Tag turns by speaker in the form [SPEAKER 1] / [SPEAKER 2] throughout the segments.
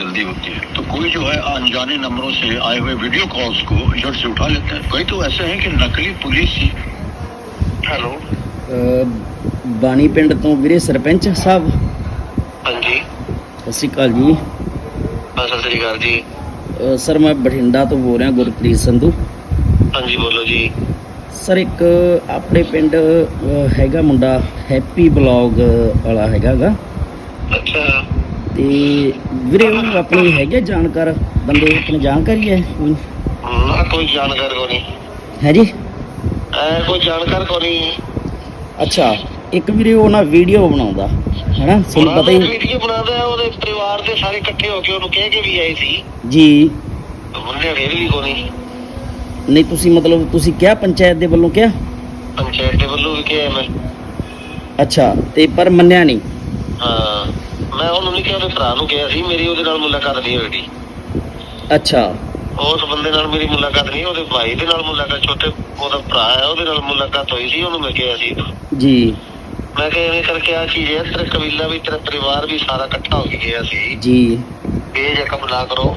[SPEAKER 1] जल्दी होती है तो कोई जो है अनजाने नंबरों से आए हुए वीडियो कॉल्स को झट से उठा लेता है। कई तो ऐसे हैं कि नकली पुलिस ही। हेलो
[SPEAKER 2] ਬਾਣੀ ਪਿੰਡ ਤੋਂ ਵੀਰੇ ਸਰਪੰਚ ਸਾਹਿਬ।
[SPEAKER 1] ਹਾਂਜੀ
[SPEAKER 2] ਸਤਿ ਸ਼੍ਰੀ ਅਕਾਲ ਜੀ।
[SPEAKER 1] ਸਤਿ ਸ੍ਰੀ ਅਕਾਲ ਜੀ।
[SPEAKER 2] ਸਰ ਮੈਂ ਬਠਿੰਡਾ ਤੋਂ ਬੋਲ ਰਿਹਾ, ਗੁਰਪ੍ਰੀਤ ਸੰਧੂ।
[SPEAKER 1] ਹਾਂਜੀ ਬੋਲੋ ਜੀ।
[SPEAKER 2] ਸਰ ਇੱਕ ਆਪਣੇ ਪਿੰਡ ਹੈਗਾ ਮੁੰਡਾ ਹੈਪੀ ਬਲੌਗ ਵਾਲਾ ਹੈਗਾ ਗਾ।
[SPEAKER 1] ਅੱਛਾ।
[SPEAKER 2] ਤੇ ਵੀਰੇ ਉਹ ਆਪਣੀ ਹੈਗੇ ਜਾਣਕਾਰ ਬੰਦੇ, ਆਪਣੀ ਜਾਣਕਾਰੀ ਹੈ ਕੋਈ?
[SPEAKER 1] ਨਾ ਕੋਈ ਜਾਣਕਾਰ ਕੋ ਨਹੀਂ
[SPEAKER 2] ਹੈ ਜੀ।
[SPEAKER 1] ਕੋਈ ਜਾਣਕਾਰ ਕੋ ਨਹੀਂ।
[SPEAKER 2] ਅੱਛਾ, ਇੱਕ ਵੀਰੇ ਉਹ ਨਾ ਵੀਡੀਓ ਬਣਾਉਂਦਾ ਹੈ ਨਾ, ਤੁਹਾਨੂੰ ਪਤਾ ਹੀ।
[SPEAKER 1] ਵੀਡੀਓ ਬਣਾਉਂਦਾ, ਉਹਦੇ ਪਰਿਵਾਰ ਦੇ ਸਾਰੇ ਇਕੱਠੇ ਹੋ ਕੇ ਉਹਨੂੰ ਕਹਿ ਕੇ ਵੀ ਆਏ ਸੀ
[SPEAKER 2] ਜੀ।
[SPEAKER 1] ਉਹਨੇ ਫੇਰ ਵੀ ਕੋ ਨਹੀਂ।
[SPEAKER 2] ਨਹੀਂ ਤੁਸੀਂ ਮਤਲਬ ਤੁਸੀਂ ਕਿਹਾ ਪੰਚਾਇਤ ਦੇ ਵੱਲੋਂ ਕਿਹਾ?
[SPEAKER 1] ਪੰਚਾਇਤ ਦੇ ਵੱਲੋਂ ਵੀ ਕਿਹਾ ਮੈਂ।
[SPEAKER 2] ਅੱਛਾ, ਤੇ ਪਰ ਮੰਨਿਆ ਨਹੀਂ?
[SPEAKER 1] ਹਾਂ, ਮੈਂ ਉਹਨੂੰ ਨਹੀਂ ਕਿਹਾ, ਉਹਦੇ ਭਰਾ ਨੂੰ ਕਿਹਾ ਸੀ। ਮੇਰੀ ਉਹਦੇ ਨਾਲ ਮੁਲਾਕਾਤ ਨਹੀਂ ਹੋਈ।
[SPEAKER 2] ਅੱਛਾ।
[SPEAKER 1] ਉਸ ਬੰਦੇ ਨਾਲ ਮੇਰੀ ਮੁਲਾਕਾਤ ਨਹੀਂ, ਉਹਦੇ ਭਾਈ ਦੇ ਨਾਲ ਮੁਲਾਕਾਤ, ਛੋਟੇ ਉਹਦਾ ਭਰਾ ਹੈ ਉਹਦੇ ਨਾਲ ਮੁਲਾਕਾਤ ਹੋਈ ਸੀ। ਉਹਨੂੰ ਮੈਂ ਕਿਹਾ ਸੀ
[SPEAKER 2] ਜੀ,
[SPEAKER 1] ਮੈਂ ਕਿਹਾ ਐਵੇਂ ਕਰਕੇ ਆ ਚੀਜ਼ ਹੈ, ਤੇਰਾ ਕਬੀਲਾ ਵੀ ਤੇਰਾ ਪਰਿਵਾਰ ਵੀ ਸਾਰਾ ਇਕੱਠਾ ਹੋ ਕੇ ਗਿਆ ਸੀ
[SPEAKER 2] ਜੀ।
[SPEAKER 1] ਇਹ ਜੇ ਕੰਮ ਨਾ ਕਰੋ।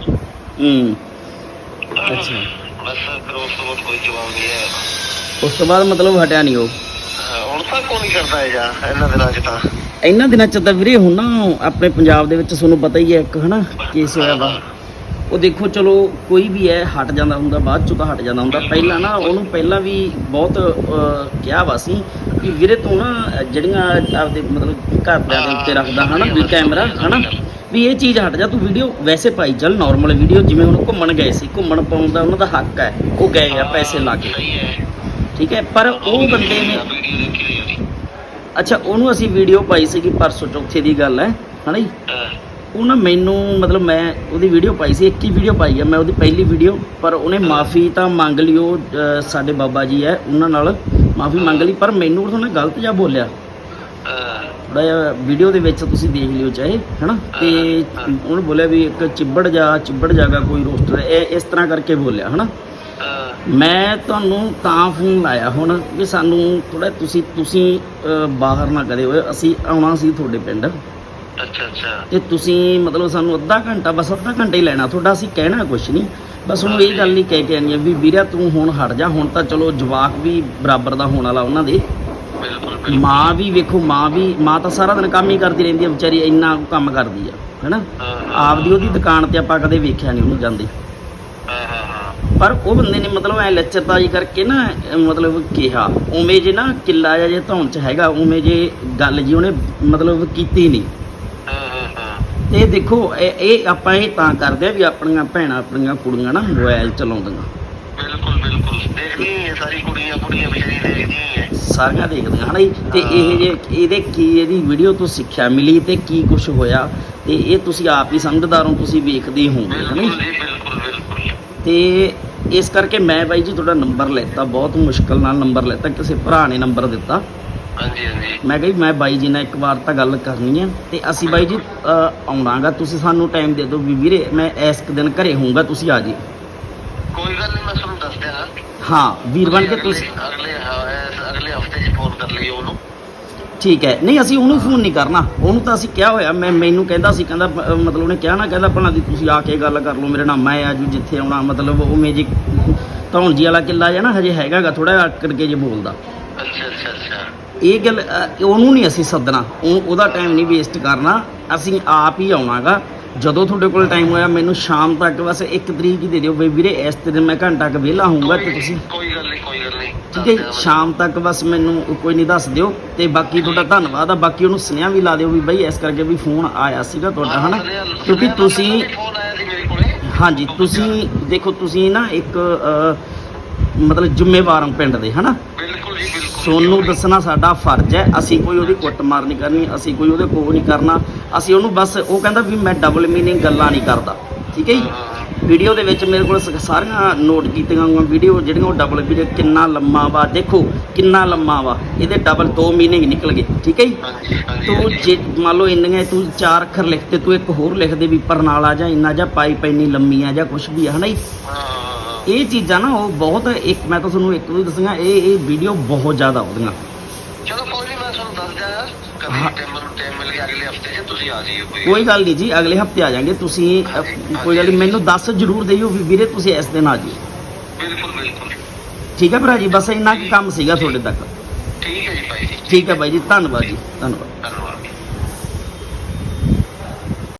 [SPEAKER 2] ਅੱਛਾ,
[SPEAKER 1] ਬਸ ਫਿਰ ਉਸ ਤੋਂ ਬਾਅਦ ਕੋਈ ਜਵਾਬ ਨਹੀਂ ਹੈ।
[SPEAKER 2] ਉਸ ਤੋਂ ਬਾਅਦ ਮਤਲਬ ਹਟਿਆ ਨਹੀਂ ਉਹ?
[SPEAKER 1] ਹੁਣ ਤੱਕ ਕੋਈ ਨਹੀਂ ਕਰਦਾ ਹੈ ਜਾਂ ਇਹਨਾਂ ਦਿਨਾਂ 'ਚ ਤਾਂ।
[SPEAKER 2] ਇਹਨਾਂ ਦਿਨਾਂ 'ਚ ਤਾਂ ਵੀਰੇ ਹੁਣ ਨਾ ਆਪਣੇ ਪੰਜਾਬ ਦੇ ਵਿੱਚ ਤੁਹਾਨੂੰ ਪਤਾ ਹੀ ਹੈ ਇੱਕ ਹੈ ਨਾ ਕੇਸ ਹੋਇਆ ਵਾ। ਉਹ ਦੇਖੋ ਚਲੋ ਕੋਈ ਵੀ ਹੈ ਹਟ ਜਾਂਦਾ ਹੁੰਦਾ, ਬਾਅਦ 'ਚੋਂ ਤਾਂ ਹਟ ਜਾਂਦਾ ਹੁੰਦਾ। ਪਹਿਲਾਂ ਨਾ ਉਹਨੂੰ ਪਹਿਲਾਂ ਵੀ ਬਹੁਤ ਕਿਹਾ ਵਾ ਸੀ ਵੀ ਵੀਰੇ ਤੂੰ ਨਾ ਜਿਹੜੀਆਂ ਆਪਦੇ ਮਤਲਬ ਘਰਦਿਆਂ ਦੇ ਉੱਤੇ ਰੱਖਦਾ ਹੈ ਨਾ ਵੀ ਕੈਮਰਾ ਹੈ ਨਾ, ਵੀ ਇਹ ਚੀਜ਼ ਹਟ ਜਾ, ਤੂੰ ਵੀਡੀਓ ਵੈਸੇ ਪਾਈ ਚੱਲ ਨਾਰਮਲ ਵੀਡੀਓ। ਜਿਵੇਂ ਹੁਣ ਘੁੰਮਣ ਗਏ ਸੀ, ਘੁੰਮਣ ਪਾਉਣ ਦਾ ਉਹਨਾਂ ਦਾ ਹੱਕ ਹੈ, ਉਹ ਗਏ ਆ ਪੈਸੇ ਲਾ ਕੇ, ਠੀਕ ਹੈ। ਪਰ ਉਹ ਬੰਦੇ ਨੇ ਅੱਛਾ ਉਹਨੂੰ ਅਸੀਂ ਵੀਡੀਓ ਪਾਈ ਸੀਗੀ ਪਰਸੋਂ ਚੌਥੇ ਦੀ ਗੱਲ ਹੈ ਨਾ ਜੀ। ਉਹ ਨਾ ਮੈਨੂੰ ਮਤਲਬ ਮੈਂ ਉਹਦੀ ਵੀਡੀਓ ਪਾਈ ਸੀ, ਇੱਕ ਹੀ ਵੀਡੀਓ ਪਾਈ ਆ ਮੈਂ ਉਹਦੀ ਪਹਿਲੀ ਵੀਡੀਓ, ਪਰ ਉਹਨੇ ਮਾफ़ੀ ਤਾਂ ਮੰਗ ਲਈ। ਉਹ ਸਾਡੇ ਬਾਬਾ ਜੀ ਹੈ ਉਹਨਾਂ ਨਾਲ ਮਾफ़ੀ ਮੰਗ ਲਈ, ਪਰ ਮੈਨੂੰ ਉਹਨੇ ਗਲਤ ਜਿਹਾ ਬੋਲਿਆ ਥੋੜ੍ਹਾ ਜਿਹਾ। ਵੀਡੀਓ ਦੇ ਵਿੱਚ ਤੁਸੀਂ ਦੇਖ ਲਿਓ ਚਾਹੇ ਹੈ ਨਾ। ਤੇ ਉਹਨੇ ਬੋਲਿਆ ਵੀ ਇੱਕ ਚਿੱਬੜ ਜਾਗਾ ਕੋਈ ਰੋਸਟਰ, ਇਹ ਇਸ ਤਰ੍ਹਾਂ ਕਰਕੇ ਬੋਲਿਆ ਹੈ ਨਾ। ਮੈਂ ਤੁਹਾਨੂੰ ਤਾਂ ਫੋਨ ਲਾਇਆ ਹੁਣ ਵੀ ਸਾਨੂੰ ਥੋੜ੍ਹਾ ਤੁਸੀਂ ਬਾਹਰ ਨਾ ਕਰੇ ਹੋਏ, ਅਸੀਂ ਆਉਣਾ ਸੀ ਤੁਹਾਡੇ ਪਿੰਡ।
[SPEAKER 1] ਅੱਛਾ ਅੱਛਾ।
[SPEAKER 2] ਤੇ ਤੁਸੀਂ ਮਤਲਬ ਸਾਨੂੰ ਅੱਧਾ ਘੰਟਾ ਹੀ ਲੈਣਾ ਤੁਹਾਡਾ, ਅਸੀਂ ਕਹਿਣਾ ਕੁਛ ਨਹੀਂ, ਬਸ ਉਹਨੂੰ ਇਹ ਗੱਲ ਨਹੀਂ ਕਹਿ ਕੇ ਆਉਣੀ ਹੈ ਵੀ ਵੀਰਿਆ ਤੂੰ ਹੁਣ ਹਟ ਜਾ। ਹੁਣ ਤਾਂ ਚਲੋ ਜਵਾਕ ਵੀ ਬਰਾਬਰ ਦਾ ਹੋਣ ਵਾਲਾ ਉਹਨਾਂ ਦੇ, ਮਾਂ ਵੀ ਵੇਖੋ, ਮਾਂ ਤਾਂ ਸਾਰਾ ਦਿਨ ਕੰਮ ਹੀ ਕਰਦੀ ਰਹਿੰਦੀ ਹੈ ਵਿਚਾਰੀ, ਇੰਨਾ ਕੰਮ ਕਰਦੀ ਆ ਹੈ ਨਾ। ਆਪਦੀ ਉਹਦੀ ਦੁਕਾਨ ਤੇ ਆਪਾਂ ਕਦੇ ਵੇਖਿਆ ਨਹੀਂ ਉਹਨੂੰ ਜਾਂਦੇ। ਪਰ ਉਹ ਬੰਦੇ ਨੇ ਮਤਲਬ ਐ ਲੱਚਰਬਾਜ਼ੀ ਕਰਕੇ ਨਾ ਮਤਲਬ ਕਿਹਾ ਉਵੇਂ ਜੇ ਨਾ ਕਿੱਲਾ ਜਿਹਾ ਜੇ ਧੌਣ 'ਚ ਹੈਗਾ ਉਵੇਂ ਜੇ ਗੱਲ ਜੀ ਉਹਨੇ ਮਤਲਬ ਕੀਤੀ ਨਹੀਂ। ਤੇ ਦੇਖੋ ਇਹ ਆਪਾਂ ਇਹ ਤਾਂ ਕਰਦੇ ਆ ਵੀ ਆਪਣੀਆਂ ਭੈਣਾਂ ਆਪਣੀਆਂ ਕੁੜੀਆਂ ਨਾ ਮੋਬਾਈਲ ਚਲਾਉਂਦੀਆਂ।
[SPEAKER 1] ਬਿਲਕੁਲ ਬਿਲਕੁਲ ਦੇਖਦੀ ਹੈ ਸਾਰੀ ਕੁੜੀਆਂ ਵਿਚਾਰੀ ਦੇਖਦੀਆਂ ਹੈ, ਸਾਰੀਆਂ
[SPEAKER 2] ਦੇਖਦੀਆਂ ਹੈ ਨਾ ਜੀ। ਤੇ ਇਹ ਜੇ ਇਹਦੇ ਕੀ ਇਹਦੀ ਵੀਡੀਓ ਤੋਂ ਸਿੱਖਿਆ ਮਿਲੀ ਤੇ ਕੀ ਕੁਛ ਹੋਇਆ, ਤੇ ਇਹ ਤੁਸੀਂ ਆਪ ਹੀ ਸਮਝਦਾਰ ਹੋ, ਤੁਸੀਂ ਵੇਖਦੇ ਹੋਵੋਗੇ ਹੈ ਨਾ ਜੀ। ਤੇ ਇਸ ਕਰਕੇ ਮੈਂ ਬਾਈ ਜੀ ਤੁਹਾਡਾ ਨੰਬਰ ਲੈਤਾ, ਬਹੁਤ ਮੁਸ਼ਕਿਲ ਨਾਲ ਨੰਬਰ ਲੈਤਾ, ਕਿਸੇ ਭਰਾ ਨੇ ਨੰਬਰ ਦਿੱਤਾ।
[SPEAKER 1] ਹਾਂਜੀ ਹਾਂਜੀ।
[SPEAKER 2] ਮੈਂ ਕਿਹਾ ਮੈਂ ਬਾਈ ਜੀ ਨਾਲ ਇੱਕ ਵਾਰ ਤਾਂ ਗੱਲ ਕਰਨੀ ਹੈ ਤੇ ਅਸੀਂ ਬਾਈ ਜੀ ਆਉਣਾਗਾ, ਤੁਸੀਂ ਸਾਨੂੰ ਟਾਈਮ ਦੇ ਦਿਓ ਵੀ ਵੀਰੇ ਮੈਂ ਇਸ ਦਿਨ ਘਰੇ ਹੋਊਂਗਾ, ਤੁਸੀਂ ਆ ਜੀ।
[SPEAKER 1] ਕੋਈ ਗੱਲ ਨਹੀਂ, ਮੈਂ ਤੁਹਾਨੂੰ ਦੱਸ ਦਿਆਂ।
[SPEAKER 2] ਹਾਂ ਵੀਰ ਬਣ ਕੇ ਤੁਸੀਂ
[SPEAKER 1] ਅਗਲੇ ਹਫਤੇ 'ਚ ਫੋਨ ਕਰ ਲਈਓ ਉਹਨੂੰ।
[SPEAKER 2] ਠੀਕ ਹੈ। ਨਹੀਂ ਅਸੀਂ ਉਹਨੂੰ ਫੋਨ ਨਹੀਂ ਕਰਨਾ, ਉਹਨੂੰ ਤਾਂ ਅਸੀਂ ਕਿਹਾ ਹੋਇਆ। ਮੈਨੂੰ ਕਹਿੰਦਾ ਸੀ, ਕਹਿੰਦਾ ਮਤਲਬ ਉਹਨੇ ਕਿਹਾ ਨਾ, ਕਹਿੰਦਾ ਭਲਾ ਦੀ ਤੁਸੀਂ ਆ ਕੇ ਗੱਲ ਕਰ ਲਓ ਮੇਰੇ ਨਾਲ, ਮੈਂ ਆਜੂ ਜਿੱਥੇ ਆਉਣਾ। ਮਤਲਬ ਉਵੇਂ ਜੀ ਧੌਣ ਜੀ ਵਾਲਾ ਕਿੱਲਾ ਜਿਹਾ ਨਾ ਹਜੇ ਹੈਗਾ ਗਾ, ਥੋੜ੍ਹਾ ਜਿਹਾ ਆਕੜ ਕੇ ਜੇ ਬੋਲਦਾ।
[SPEAKER 1] ਅੱਛਾ ਅੱਛਾ ਅੱਛਾ। ਇਹ
[SPEAKER 2] ਗੱਲ ਉਹਨੂੰ ਨਹੀਂ ਅਸੀਂ ਸੱਦਣਾ, ਉਹਦਾ ਟਾਈਮ ਨਹੀਂ ਵੇਸਟ ਕਰਨਾ, ਅਸੀਂ ਆਪ ਹੀ ਆਉਣਾ ਗਾ। ਜਦੋਂ ਤੁਹਾਡੇ ਕੋਲ ਟਾਈਮ ਹੋਇਆ ਮੈਨੂੰ ਸ਼ਾਮ ਤੱਕ ਬਸ 1 ਤਰੀਕ ਹੀ ਦੇ ਦਿਓ ਬਈ ਵੀਰੇ, ਇਸ ਦਿਨ ਮੈਂ ਘੰਟਾ ਕੁ ਵਿਹਲਾ ਹੋਊਂਗਾ ਤੇ ਤੁਸੀਂ।
[SPEAKER 1] ਕੋਈ ਗੱਲ ਨਹੀਂ
[SPEAKER 2] ਠੀਕ ਹੈ, ਸ਼ਾਮ ਤੱਕ ਬਸ ਮੈਨੂੰ ਕੋਈ ਨਹੀਂ ਦੱਸ ਦਿਓ। ਤੇ ਬਾਕੀ ਤੁਹਾਡਾ ਧੰਨਵਾਦ ਆ, ਬਾਕੀ ਉਹਨੂੰ ਸੁਨੇਹਾ ਵੀ ਲਾ ਦਿਓ ਵੀ ਬਈ ਇਸ ਕਰਕੇ ਵੀ ਫੋਨ ਆਇਆ ਸੀਗਾ ਤੁਹਾਡਾ ਹੈ ਨਾ, ਕਿਉਂਕਿ ਤੁਸੀਂ ਹਾਂਜੀ ਤੁਸੀਂ ਦੇਖੋ ਤੁਸੀਂ ਨਾ ਇੱਕ ਮਤਲਬ ਜ਼ਿੰਮੇਵਾਰ ਹੋ ਪਿੰਡ ਦੇ ਹੈ ਨਾ। ਤੁਹਾਨੂੰ ਦੱਸਣਾ ਸਾਡਾ ਫਰਜ਼ ਹੈ, ਅਸੀਂ ਕੋਈ ਉਹਦੀ ਕੁੱਟਮਾਰ ਨਹੀਂ ਕਰਨੀ, ਅਸੀਂ ਕੋਈ ਉਹਦੇ ਕੋਲ ਨਹੀਂ ਕਰਨਾ। ਅਸੀਂ ਉਹਨੂੰ ਬਸ ਉਹ ਕਹਿੰਦਾ ਵੀ ਮੈਂ ਡਬਲ ਮੀਨਿੰਗ ਗੱਲਾਂ ਨਹੀਂ ਕਰਦਾ, ਠੀਕ ਹੈ ਜੀ। ਵੀਡੀਓ ਦੇ ਵਿੱਚ ਮੇਰੇ ਕੋਲ ਸਾਰੀਆਂ ਨੋਟ ਕੀਤੀਆਂ ਹੋਈਆਂ ਵੀਡੀਓ ਜਿਹੜੀਆਂ ਉਹ ਡਬਲ ਵੀਡੀਓ, ਕਿੰਨਾ ਲੰਮਾ ਵਾ ਦੇਖੋ, ਕਿੰਨਾ ਲੰਮਾ ਵਾ, ਇਹਦੇ ਡਬਲ 2 ਮੀਨਿੰਗ ਨਿਕਲ ਗਏ, ਠੀਕ ਹੈ ਜੀ। ਤੂੰ ਜੇ ਮੰਨ ਲਓ ਇੰਨੀਆਂ ਤੂੰ 4 ਅੱਖਰ ਲਿਖਤੇ, ਤੂੰ ਇੱਕ ਹੋਰ ਲਿਖ ਦੇ ਵੀ ਪਰਨਾਲਾ ਜਾਂ ਇੰਨਾ ਜਾਂ ਪਾਈਪ ਇੰਨੀ ਲੰਮੀ ਆ ਜਾਂ ਕੁਛ ਵੀ ਹੈ ਨਾ ਜੀ। ਇਹ ਚੀਜ਼ਾਂ ਨਾ ਉਹ ਬਹੁਤ ਇੱਕ ਮੈਂ ਤਾਂ ਤੁਹਾਨੂੰ ਇੱਕ ਵੀ ਦੱਸਾਂਗਾ, ਇਹ ਵੀਡੀਓ ਬਹੁਤ ਜ਼ਿਆਦਾ ਆਉਂਦੀਆਂ।
[SPEAKER 1] ਚਲੋ ਕੋਈ ਨਹੀਂ, ਮੈਂ ਤੁਹਾਨੂੰ ਦੱਸ ਦਿਆਂ, ਕਦੇ ਟਾਈਮ ਮਿਲ ਕਿ ਅਗਲੇ ਹਫਤੇ 'ਚ ਤੁਸੀਂ ਆ ਜਾਈਓ
[SPEAKER 2] ਕੋਈ ਗੱਲ ਨਹੀਂ ਜੀ, ਅਗਲੇ ਹਫਤੇ ਆ ਜਾਾਂਗੇ। ਤੁਸੀਂ ਕੋਈ ਗੱਲ ਨਹੀਂ, ਮੈਨੂੰ ਦੱਸ ਜ਼ਰੂਰ ਦਿਓ ਵੀ ਵੀਰੇ ਤੁਸੀਂ ਇਸ ਦਿਨ ਆ ਜਿਓ।
[SPEAKER 1] ਬਿਲਕੁਲ ਬਿਲਕੁਲ
[SPEAKER 2] ਠੀਕ ਹੈ ਭਰਾ ਜੀ, ਬਸ ਇੰਨਾ ਕੁ ਕੰਮ ਸੀਗਾ ਤੁਹਾਡੇ ਤੱਕ।
[SPEAKER 1] ਠੀਕ ਹੈ ਜੀ ਭਾਈ ਜੀ।
[SPEAKER 2] ਠੀਕ ਹੈ ਬਾਈ ਜੀ, ਧੰਨਵਾਦ ਜੀ, ਧੰਨਵਾਦ।
[SPEAKER 1] ਧੰਨਵਾਦ।